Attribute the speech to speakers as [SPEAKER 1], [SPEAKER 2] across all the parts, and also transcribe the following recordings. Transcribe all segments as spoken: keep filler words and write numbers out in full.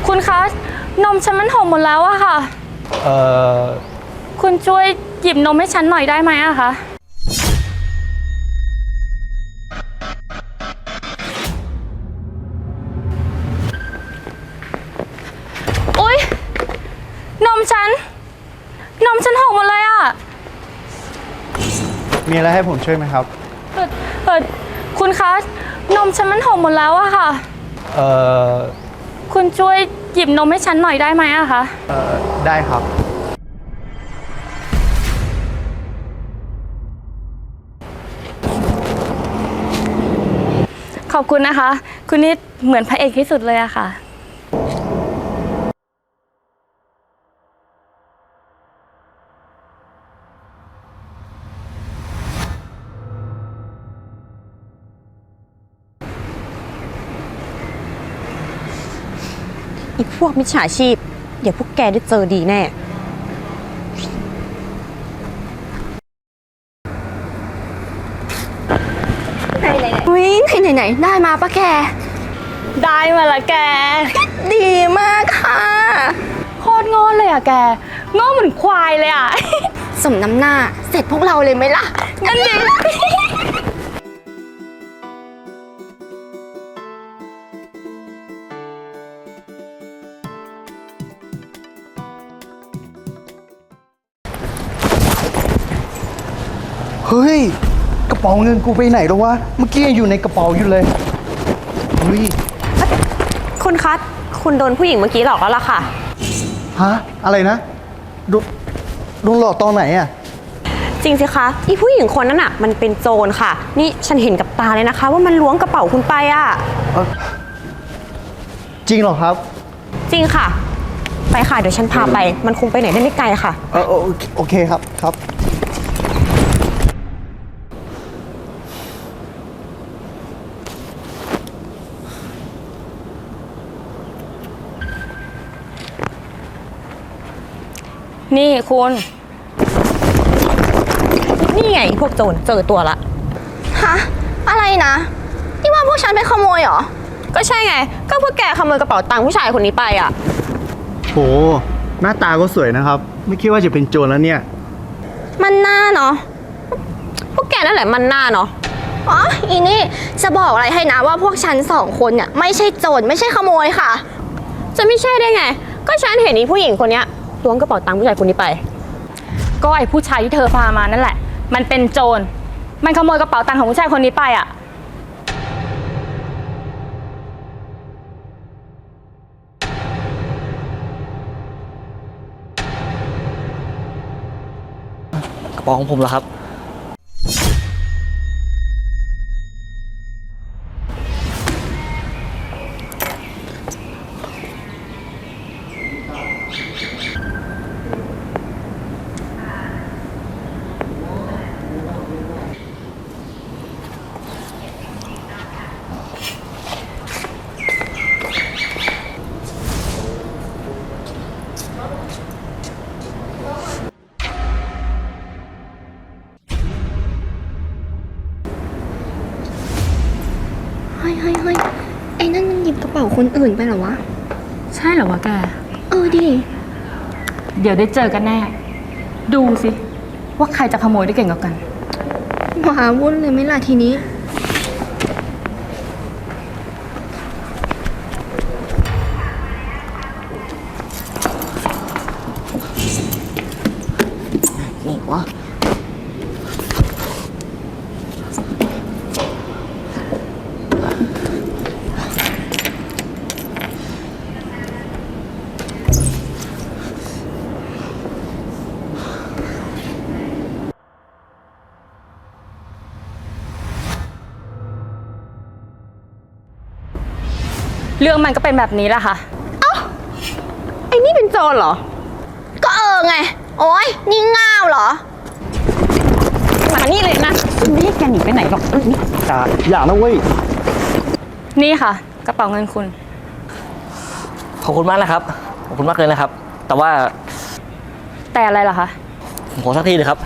[SPEAKER 1] คุณคะนมฉันมันหกหมดแล้วอะค่ะ
[SPEAKER 2] เอ่อ
[SPEAKER 1] คุณช่วยหยิบนมให้ฉันหน่อยได้ไหมอะคะอุ๊ยนมฉันนมฉันหกหมดเลยอะ
[SPEAKER 2] มีอะไรให้ผมช่วยไหมครับ
[SPEAKER 1] เออเออคุณคะนมฉันมันหกหมดแล้วอะค่ะ
[SPEAKER 2] เอ่อ
[SPEAKER 1] คุณช่วยหยิบนมให้ฉันหน่อยได้ไหมอะคะ
[SPEAKER 2] เอ่อได้ครับ
[SPEAKER 1] ขอบคุณนะคะคุณนี่เหมือนพระเอกที่สุดเลยอะค่ะ
[SPEAKER 3] อีพวกมิจฉาชีพเดี๋ยวพวกแกได้เจอดีแน่
[SPEAKER 4] ไหนไหนไหนไหนไหนได้มาปะแก
[SPEAKER 1] ได้มาละแก
[SPEAKER 4] ดีมากค่ะ
[SPEAKER 1] โคตรโง่เลยอะแกโง่เหมือนควายเลยอะ
[SPEAKER 4] สมน้ำหน้าเสร็จพวกเราเลยไหมล่ะ
[SPEAKER 1] นั่นดิ
[SPEAKER 2] เฮ้ยกระเป๋าเงินกูไปไหนแล้ววะเมื่อกี้ยังอยู่ในกระเป๋าอยู่เลยเฮ้ย
[SPEAKER 3] คุณคัทคุณโดนผู้หญิงเมื่อกี้หลอกแล้วล่ะค่ะ
[SPEAKER 2] ฮะอะไรนะโดนโดนหลอกตอนไหนอะ
[SPEAKER 3] จริงสิคะอีผู้หญิงคนนั้นอ่ะมันเป็นโจรค่ะนี่ฉันเห็นกับตาเลยนะคะว่ามันล้วงกระเป๋าคุณไปอ่ะ
[SPEAKER 2] จริงเหรอครับ
[SPEAKER 3] จริงค่ะไปค่ะเดี๋ยวฉันพาไปมันคงไปไหนได้ไม่ไกลค่ะ
[SPEAKER 2] เออโอเคครับครับ
[SPEAKER 1] นี่คุณ
[SPEAKER 3] นี่ไงพวกโจรเจอตัวละ
[SPEAKER 4] ฮะอะไรนะที่ว่าพวกฉันไปขโมยเหรอ
[SPEAKER 3] ก็ใช่ไงก็พวกแกขโมยกระเป๋าตังค์ผู้ชายคนนี้ไปอ่ะ
[SPEAKER 2] โหหน้าตาก็สวยนะครับไม่คิดว่าจะเป็นโจรแล้วเนี่ย
[SPEAKER 4] มันหน้าเนาะ
[SPEAKER 3] พวกแกนั่นแหละมันหน้าเนาะ
[SPEAKER 4] อ๋ออีนี่จะบอกอะไรให้นะว่าพวกฉันสองคนเนี่ยไม่ใช่โจรไม่ใช่ขโมยค่ะ
[SPEAKER 3] จะไม่ใช่ได้ไงก็ฉันเห็นอีผู้หญิงคนนี้ล้วงกระเป๋าตังค์ผู้ชายคนนี้ไป
[SPEAKER 1] ก็ไอ้ผู้ชายที่เธอพามานั่นแหละมันเป็นโจรมันขโมยกระเป๋าตังค์ของผู้ชายคนนี้ไปอ่ะ
[SPEAKER 5] กระเป๋าของผมเหรอครับ
[SPEAKER 4] เฮ้ยเฮ้ยเฮ้ยไอ้นั่นมันหยิบกระเป๋าคนอื่นไปเหรอวะ
[SPEAKER 1] ใช่เหรอวะแก
[SPEAKER 4] เออดิ
[SPEAKER 1] เดี๋ยวได้เจอกันแน่ดูสิว่าใครจะขโมยได้เก่งกว่ากัน
[SPEAKER 4] หวาวุ่นเลยไหมล่ะทีนี้
[SPEAKER 2] นี่วะ
[SPEAKER 1] เรื่องมันก็เป็นแบบนี้แหละค่ะ
[SPEAKER 3] เอ้าไอ้นี่เป็นโจรเหรอ
[SPEAKER 4] ก็เออไงโอ๊ยนี่ง่าวเหรอ
[SPEAKER 3] มานี่เลยนะไม่ให้แกหนีไปไหนหรอกนี่
[SPEAKER 2] อย่าอย่านะเว้ย
[SPEAKER 1] นี่ค่ะกระเป๋าเงินคุณ
[SPEAKER 5] ขอบคุณมากนะครับขอบคุณมากเลยนะครับแต่ว่า
[SPEAKER 1] แต่อะไรล่ะคะ
[SPEAKER 5] ผมขอสักทีเลยครับ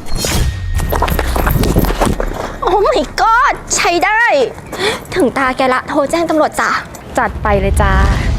[SPEAKER 4] โอ้ my god ใช้ได้ถึงตาแกละโทรแจ้งตำรวจจ้ะ
[SPEAKER 1] จัดไปเลยจ้า